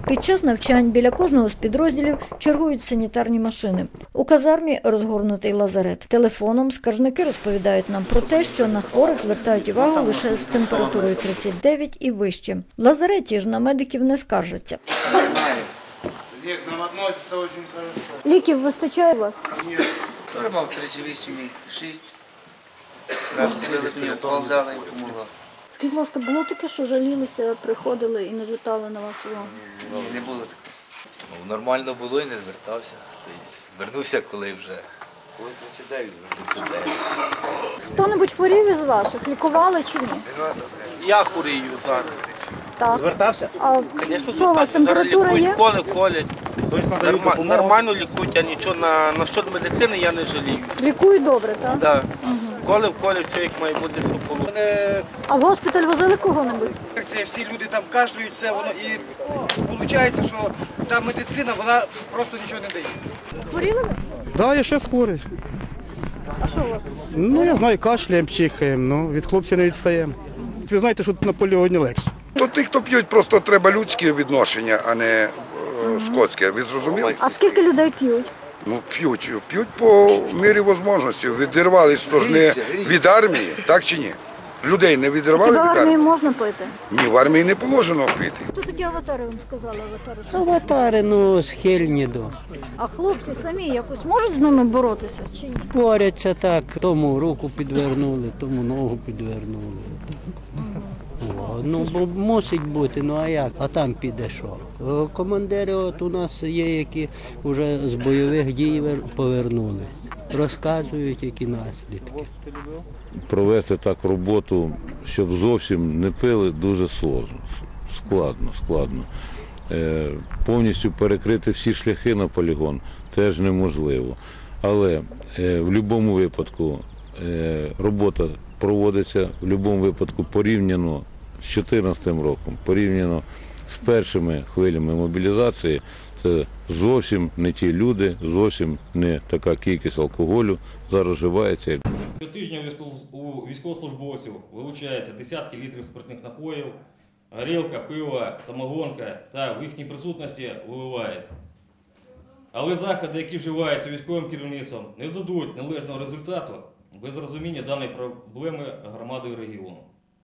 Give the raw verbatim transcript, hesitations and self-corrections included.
Під час навчань біля кожного з підрозділів чергують санітарні машини. У казармі розгорнутий лазарет. Телефоном скаржники розповідають нам про те, що на хворих звертають увагу лише з температурою тридцять дев'ять і вище. В лазареті ж на медиків не скаржаться. Вік, нам відноситься дуже добре. Ліків вистачає у вас? Ні. Я мав тридцять вісім і шість. Раз дивилися, мені укол дали і помогла. Скажіть, будь ласка, було таке, що жалілися, приходили і не звертали на вас увагу? Не було такого. Ну, нормально було і не звертався. Тобто, звернувся, коли вже Коли тридцять дев'ять. тридцять дев'ять. Хто-небудь хворів із ваших? Лікували чи ні? Я хворію зараз. Так. Звертався? А Звісно, що у вас звертався. Зараз температура лікують, є? колють, колять. Тобто надають Норма- допомогу? Нормально лікують, я нічого на, на щодо медицини я не жалію. Лікують добре, так? Да. Колив, колів, все як має бути, все полу. А в госпіталь возили кого-небудь? Це всі люди там кашляють, все воно і виходить, що та медицина вона просто нічого не дає. Хворіли ви? Да, я ще хворий. А що у вас? Ну, я знаю, кашляємо, чихаємо, ну, від хлопців не відстаємо. Ви знаєте, що на полігоні легше. То тих, хто п'ють, просто треба людське відношення, а не е, скотське. Ви зрозуміли? А скільки людей п'ють? Ну, п'ють. П'ють по мірі можливості. Відірвали стожни від армії, так чи ні? Людей не відірвали Хіба в від армії армії? можна пити? Ні, в армії не положено пити. Хто такі аватари вам сказали? Аватари? що? Аватари, ну, схильні до. А хлопці самі якось можуть з ними боротися чи ні? Борються так, тому руку підвернули, тому ногу підвернули. О, ну, бо мусить бути, ну а як? А там піде що? О, командири от у нас є, які вже з бойових дій вер- повернулись. Розказують, які наслідки. Провести так роботу, щоб зовсім не пили, дуже сложно, складно, складно. Е, повністю перекрити всі шляхи на полігон теж неможливо. Але е, в будь-якому випадку е, робота проводиться в будь-якому випадку порівняно з дві тисячі чотирнадцятим роком, порівняно з першими хвилями мобілізації. Це зовсім не ті люди, зовсім не така кількість алкоголю зараз вживається. Щотижня у військовослужбовців вилучається десятки літрів спиртних напоїв, горілка, пиво, самогонка та в їхній присутності виливається. Але заходи, які вживаються військовим керівництвом, не дадуть належного результату без розуміння даної проблеми громадою регіону.